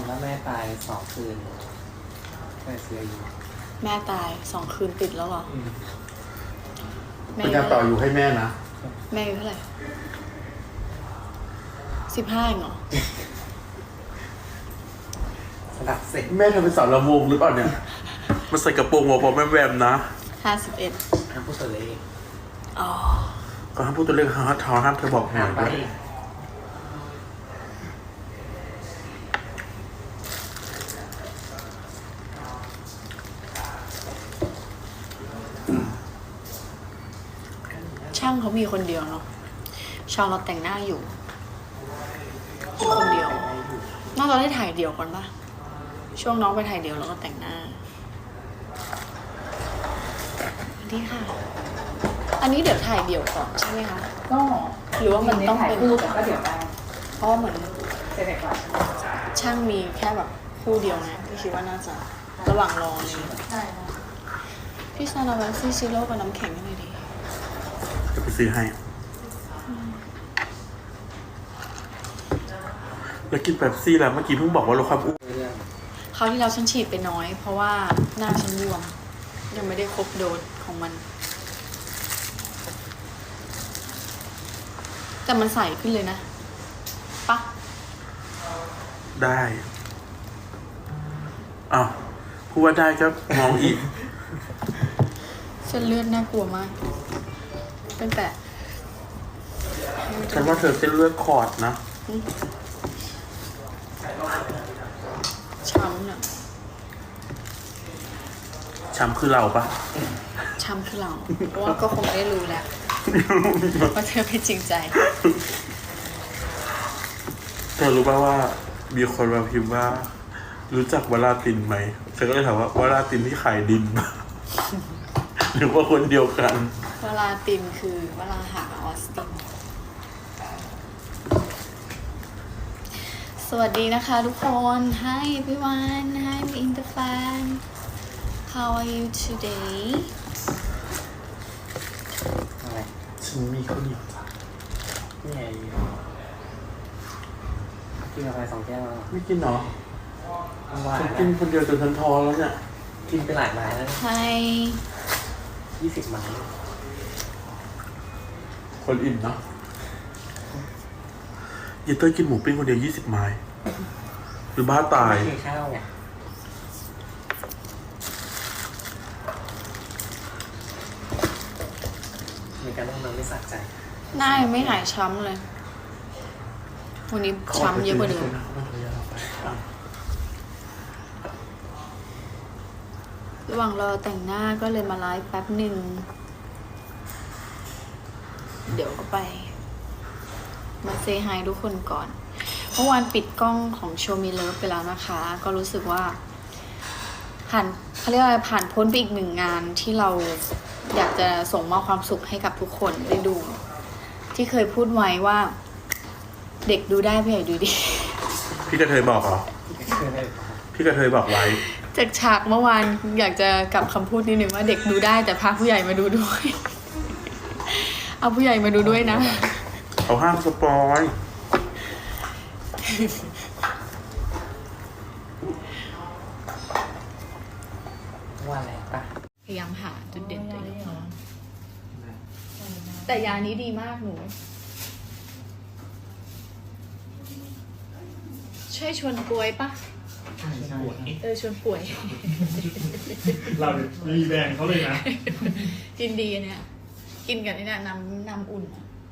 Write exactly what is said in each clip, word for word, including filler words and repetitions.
แล้วแม่ตายสองคืนแม่เสียอยู่แม่ตายสองคืนติดแล้วเหรอเป็นการต่ออยู่ให้แม่นะแม่อายุเท่าไหร่สิบห้าเองเหรอสลับเสร็จแม่เธอเป็นสาวลำวงหรือเปล่าเนี่ยมันใส่กระโปรงหัวพอแม่แวมนะห้าสิบเอ็ดห้ามพูดตัวเลขอ๋อก็ห้ามพูดตัวเลขห้ามท้อห้ามเธอบอกหน่อยด้วยช่างเขามีคนเดียวเนาะชาวเราแต่งหน้าอยู่มีคนเดียวน่าจะได้ถ่ายเดี่ยวก่อนปะช่วงน้องไปถ่ายเดี่ยวแล้วก็แต่งหน้าดีค่ะอันนี้เดี๋ยวถ่ายเดี่ยวก่อนใช่ไหมคะก็หรือว่ามันต้องเป็นคู่แต่ก็เดี๋ยวได้เพราะเหมือนเสร็จก่อนช่างมีแค่แบบคู่เดียวนะพี่คิดว่าน่าจะระหว่างรอเลยใช่พี่ซานาวันซีซิโร่กับน้ำแข็งยังไงดีจะไปซื้อให้แล้วกินแบบซี่แล้วเมื่อกี้เพิ่งบอกว่าลดความอ้วนคราวที่เราฉันฉีดไปน้อยเพราะว่าหน้าฉันบวมยังไม่ได้ครบโดสของมันแต่มันใสขึ้นเลยนะปะได้อ้าวพูดว่าได้ก็มองอีกเส้นเลือดน่ากลัวมากตั้งแต่ฉันว่าเธอเส้นเลือดขอดนะช้ำน่ะช้ำคือเราปะช้ำคือเราเพราะว่าก็คงได้รู้แล้วว่าเธอไม่จริงใจเธอรู้ป่ะว่ามีคนมาพิมพ์ว่ารู้จักวลาตินไหมฉันก็เลยถามว่าวลาตินที่ขายดินหรือว่าคนเดียวกันวลาตินคือวลาหาออสตินสวัสดีนะคะทุกคน Hi everyone Hi my inter fan How are you today อะไรฉันมีข้าวเหนียวจ้ะนี่ไงกินกาแฟสองแก้วแล้วไม่กินเหรอว่าฉันกินคนเดียวจนฉันท้อแล้วเนี่ยกินไปหลายไม้แล้ว Hi ยี่สิบไม้คนอิ่มเนาะเยเต้ยกินหมูปิ้งคนเดียวยี่สิบไม้หรือบ้าตายไม่กินข้าวไงมีการต้องนอนไม่สะใจหน้ายังไม่หายช้ำเลยวันนี้ช้ำเยอะกว่าเดิมระหว่างรอแต่งหน้าก็เลยมาไลฟ์แป๊บหนึ่งเดี๋ยวก็ไปมาเซฮายทุกคนก่อนเมื่อวานปิดกล้องของโชว์มีเลิฟไปแล้วนะคะก็รู้สึกว่าผ่านเขาเรียกว่าผ่านพ้นไปอีกหนึ่งงานที่เราอยากจะส่งมอบความสุขให้กับทุกคนได้ดูที่เคยพูดไว้ว่าเด็กดูได้ผู้ใหญ่ดูดีพี่กระเทยบอกเหรอพี่กระเทยบอกไว้จากฉากเมื่อวานอยากจะกลับคำพูดนิดนึงว่าเด็กดูได้แต่พาผู้ใหญ่มาดูด้วยเอาผู้ใหญ่มาดูด้วยนะเขาห้ามสปอยว่าอะไรปะพยายามหาจุดเด่นตัวเองแต่ยานี้ดีมากหนูช่วยชวนป่วยปะเออชวนป่วยเรามีแบรนด์เขาเลยนะกินดีเนี่ยกินกันนี่นะน้ำน้ำอุ่น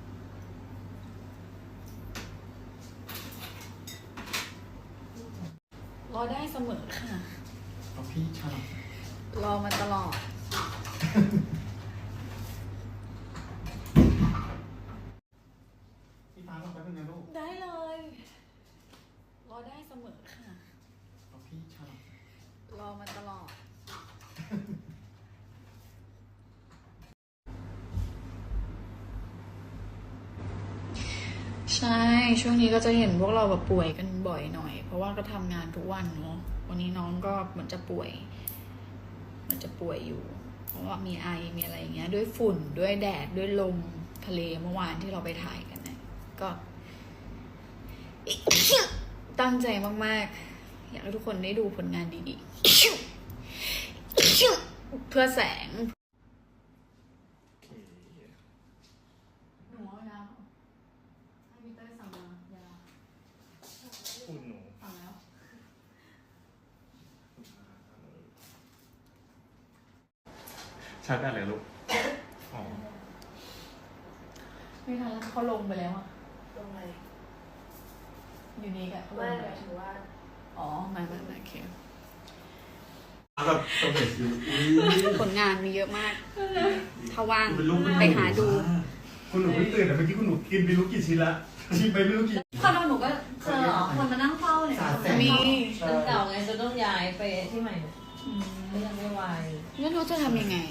รอได้เสมอค่ะพี่ชอบรอมาตลอดพี่ฟ้าลองไปเป็นไงลูกได้เลยรอได้เสมอค่ะพี่ชอบรอมาตลอดใช่ช่วงนี้ก็จะเห็นพวกเราแบบป่วยกันบ่อยหน่อยเพราะว่าก็ทำงานทุกวันเนาะวันนี้น้องก็เหมือนจะป่วยเหมือนจะป่วยอยู่เพราะว่ามีไอมีอะไรอย่างเงี้ยด้วยฝุ่นด้วยแดดด้วยลมทะเลเมื่อวานที่เราไปถ่ายกันเนี่ยก็ตั้งใจมากๆอยากให้ทุกคนได้ดูผลงานดีๆเพื่อแสงหนูเอายาให้มิเตอร์สั่งมายาคุณหนูสั่งแล้วชาร์จได้เลยลูกอ๋อไม่ทันแล้วเขาลงไปแล้วอ่ะลงไหนอยู่นี่กันไม่หมายถึงว่าอ๋อไม่ไม่ไม่โอเคแบบต้องเห็นอยู่ผลงานมีเยอะมาก ถ้าว่างเป็นลูกไปหาดูคุณหนูเพิ่งตื่นแต่เมื่อกี้คุณหนูกินไปรู้กี่ชิ้นละชิมไปไม่รู้กี่คอนโดหนูก็เจอเหรอคนมานั่งเฝ้าเนี่ยมีมันเก่าไงจะต้องย้ายไปที่ใหม่เนี่ยก็ยังไม่วายไม่รู้จะทำยังไง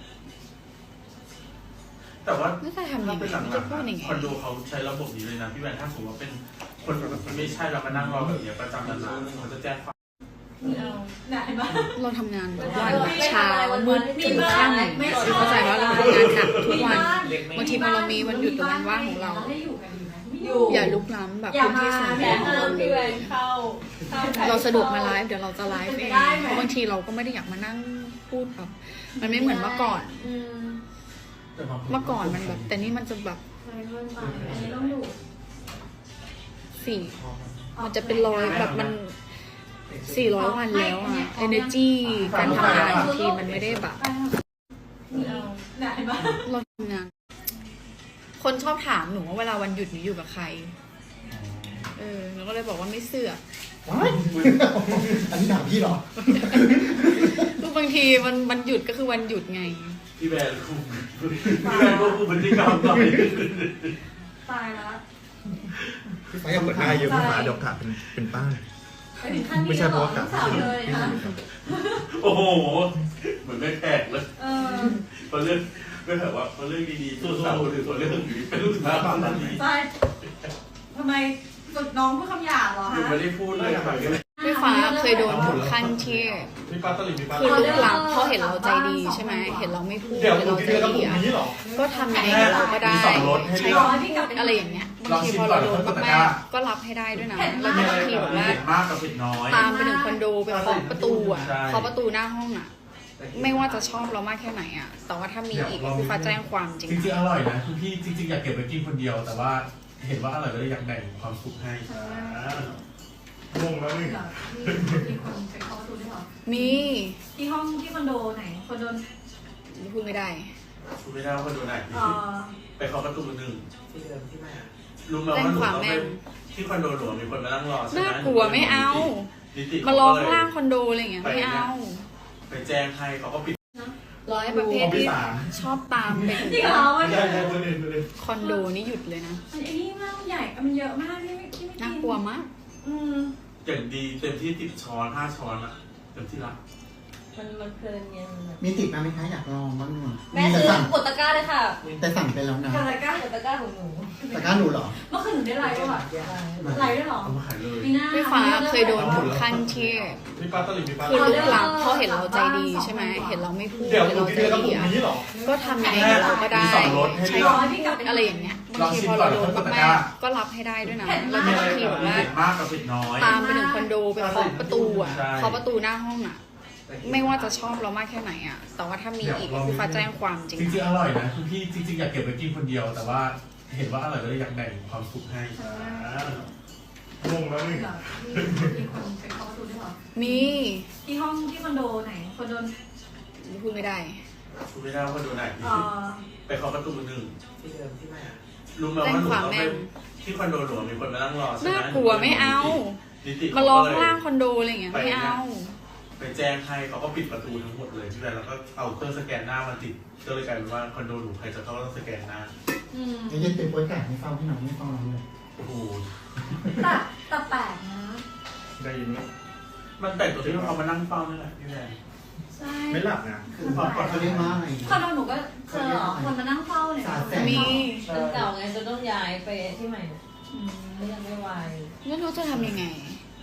แต่ว่าไม่รู้จะทำยังไงเป็นหลังไม่ๆจะพูดยังไงคอนโดเขาใช้ระบบนี้เลยนะพี่แวนถ้าสมมติว่าเป็นคนไม่ใช่เรามานั่งรอแบบนี้ประจำนานๆเขาจะแจ้งความไม่เอาเนี่ยเห็นปะเราทำงานทุกวันเช้ามืดถึงค่ำเข้าใจว่าเราทำงานหนักทุกวันบางทีพอเรามีวันหยุดหรือวันว่างของเราให้อยู่กันดีไหมไม่ออยู่อย่าลุกล้ำแบบพื้นที่ส่วนตัวของเราเลพี่แวย นเข้าเข้าเราสะดวกมาไลฟ์เดี๋ยวเราจะไลฟ์เองเพราะบางทีเราก็ไม่ได้อยากมานั่งพูดแบบมันไม่เหมือนเมื่อก่อนอืมเมื่อก่อนมันแบบ แต่นี่มันจะแบบอันนี้ต้องดูสี่มันจะเป็นร้อยแบบมันสี่ร้อยวันแล้วอะ energy การทำงานบางทีมันไม่ได้แบบไม่เอาเนี่ยเห็นปะเราทำงาน คนชอบถามหนูว่าเวลาวันหยุดหนูอยู่กับใคร เออหนูก็เลยบอกว่าไม่เสือกว้ายอันนี้ถามพี่เหรอคือบางทีมันมันหยุดก็คือวันหยุดไงพี่แวนคุมพี่แวนควบคุมพฤติกรรมหน่อยตายแล้วพี่ฟ้าอยากเปิดหน้าเยอะพี่ฟ้าเดี๋ยวขาดเป็นเป็นป้าไปถึงขั้นไม่นี้ใช่แล้วเพเหรราะอว่ากัลูดกสาวเลยค่ะโอ้โหเหมือนไม่แขกเลยเออพอเรื่องไม่แบบว่าพอเรื่องดีๆสู้ๆหรือส่วนเรื่องอื่นเป็นลูกสาวตอนนี้ใช่ทำไมฝึกน้องพูดคำหยาบเหรอหนูฮะไม่ได้พูดเลยค่ะพี่ฟ้าเคยโดนถึงขั้นที่มีปลาตลิดมีปลาคือลุกล้ำเพราะเห็นเราใจดีใช่ไหมเห็นเราไม่พูดเดี๋ยวเห็นคุณเรากินใจกระปุดีกอะนี้เหรอก็ทำยังไงกับเราก็ได้มีสองรสให้ใช้เลือกอะไรอย่างเงี้ยบางทีพอเราโดนมากๆก็รับให้ได้ด้วยนะแล้วก็บางทีแบบว่าเผ็ดมากกับเผ็ดน้อยตามไปถึงคอนโดไปเคาะประตูอ่ะใช่เคาะประตูหน้าห้องอ่ะ ไม่ว่าจะชอบเรามากแค่ไหนอ่ะ แต่ว่าถ้ามีอีกคือฟ้าแจ้งความจริงจริงๆอร่อยนะคือพี่จริงๆอยากเก็บไปกินคนเดียว แต่ว่าเห็นว่าอร่อยก็เลยอยากแบ่งความสุขให้งงแล้วนี่เหรอมีคนไปเคาะประตูด้วยเหรอมีที่ห้องที่คอนโดไหนคอนโดพูดไม่ได้คุณไม่ได้ว่าคนดูไหนเอ่อไปเคาะประตูหนึ่งที่เดิมที่แม่รู้ไหมว่าหนูต้องไปที่คอนโดหนูมีคนมานั่งรอใช่ไหมน่ากลัวไม่เอานิติมาร้องล่างคอนโดอะไรอย่างเงี้ยไม่เอาไปแจ้งให้เขาก็ปิดร้อยประเภทที่ชอบตามไปถึงจริงเหรอมันใช่ใช่ประเด็นประเด็นคอนโดนี่หยุดเลยนะมันไอ้นี่มากใหญ่มันเยอะมากที่ไม่ที่ไม่น่ากลัวมากอืมอย่างดีเต็มที่ติดช้อนห้าช้อนอะเต็มที่ละมันมันเพลินไงมันแบบมีติดมาไหมคะอยากลองบ้างหน่อยแม่แต่ซื้อสั่งกดตะกร้าเลยค่ะแต่สั่งไปแล้วนะกาลากากดตะกร้าของหนูตะกร้าหนูเหรอเมื่อคืนหนูได้ไลฟ์ด้วยอะไลฟ์ด้วยเหรอเอามาขายเลยมีหน้าพี่ฟ้าเคยโดนถึงขั้นที่มีปลาตลิดมีปลาคือลุกล้ำเพราะเห็นเราใจดีใช่ไหมเห็นเราไม่พูดเดี๋ยวเห็นคุณเรากินใจกระปุดีกอะนี้เหรอก็ทำยังไงกับเราก็ได้มีสองรสให้ใช้เลือกอะไรอย่างเงี้ยบางทีพอเราโดนมากๆก็รับให้ได้ด้วยนะแล้วก็บางทีแบบว่าเผ็ดมากกับเผ็ดน้อยตามไปถึงคอนโดไปเคาะประตูอ่ะใช่เคาะประตูหน้าห้องอ่ะ ไม่ว่าจะชอบเรามากแค่ไหนอ่ะ แต่ว่าถ้ามีอีกคือฟ้าแจ้งความจริงจริงๆอร่อยนะคือพี่จริงๆอยากเก็บไปกินคนเดียว แต่ว่าเห็นว่าอร่อยก็เลยอยากแบ่งความสุขให้งงแล้วนี่เหรอมีคนไปเคาะประตูด้วยเหรอมีที่ห้องที่คอนโดไหนคอนโดพูดไม่ได้คุณไม่ได้ว่าคนดูไหนเอ่อไปเคาะประตูหนึ่งที่เดิมที่แม่รู้ไหมว่าหนูต้องไปที่คอนโดหนูมีคนมานั่งรอใช่ไหมน่ากลัวไม่เอานิติมาร้องล่างคอนโดอะไรอย่างเงี้ยไม่เอาไปแจ้งให้เขาก็ปิดประตูทั้งหมดเลยพี่แวนแล้วก็เอาเครื่องสแกนหน้ามาติดก็เลยกลายเป็นว่าคอนโดหนูใครจะเข้าก็ต้องสแกนหน้าอืมเดี๋ยวจะเป็นโป๊ยแก่ให้เฝ้าให้น้องไม่เฝ้าน้องเลยโอ้โหแต่แต่แปลกนะได้ยินไหมมันแต่งตัวที่เขามานั่งเฝ้านั่นแหละพี่แวนใช่ไม่หลับนะคือเขาเรียกว่าอะไรคอนโดหนูก็เจอเหรอคนมานั่งเฝ้าเนี่ยสาแสงมีมันเก่าไงจะต้องย้ายไปที่ใหม่เนี่ยอืมก็ยังไม่วายไม่รู้จะทำยังไง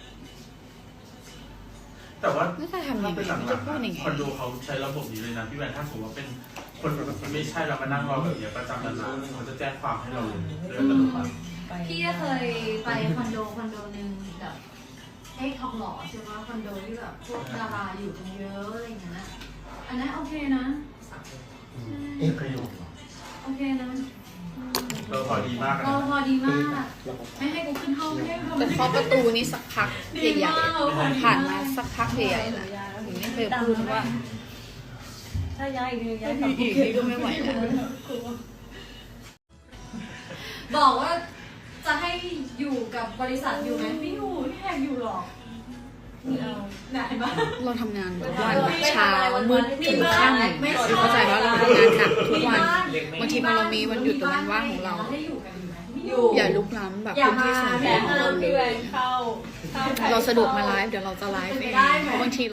แต่ว่าไม่รู้จะทำยังไงเป็นหลังไม่จะพูดยังไงๆคอนโดเขาใช้ระบบนี้เลยนะพี่แวนถ้าสมมติว่าเป็นคนไม่ใช่เรามานั่งรอแบบนี้ประจำนานๆเขาจะแจ้งความให้เราเลยเรื่องอัตโนมัติไปพี่ก็เคยไปคอนโดคอนโดหนึ่งแบบเอ๊ะทองหล่อใช่ไหมคอนโดที่แบบพวกดาราอยู่กันเยอะอะไรอย่างเงี้ยอันนั้นโอเคนะเอ๊ะประโยคเหรอโอเคนะเออพอดีมากเราพอดีมาก ไม่ให้กูขึ้นห้องไม่ให้กูแต่เคาะประตูนี่สักพักดีใหญ่มากๆผ่านมาสักพักใหญ่ๆแล้วถึงไม่เคยพูดว่าถ้าย้ายอีกทีย้ายกลับอีกนี่ก็ไม่ไหวแล้วบอกว่าจะให้อยู่กับบริษัทอยู่ไหมไม่อยู่ไม่อยากอยู่หรอกนี่เอาไหนบ้างเราทำงานทุกวันเช้ามืดถึงค่ำเข้าใจว่าเราทำงานหนักทุกวันบางทีพอเรามีวันหยุดตรงนั้นว่างของเราได้อยู่กันอยู่ไหมไม่อยู่อย่าลุกล้ำแบบพื้นที่ส่วนตัวแต่ของห้าเรามเลพี่แหวย นเข้าเราสะดวกมาไลฟ์เดี๋ยวเราจะไลฟ์เองเพราะบางที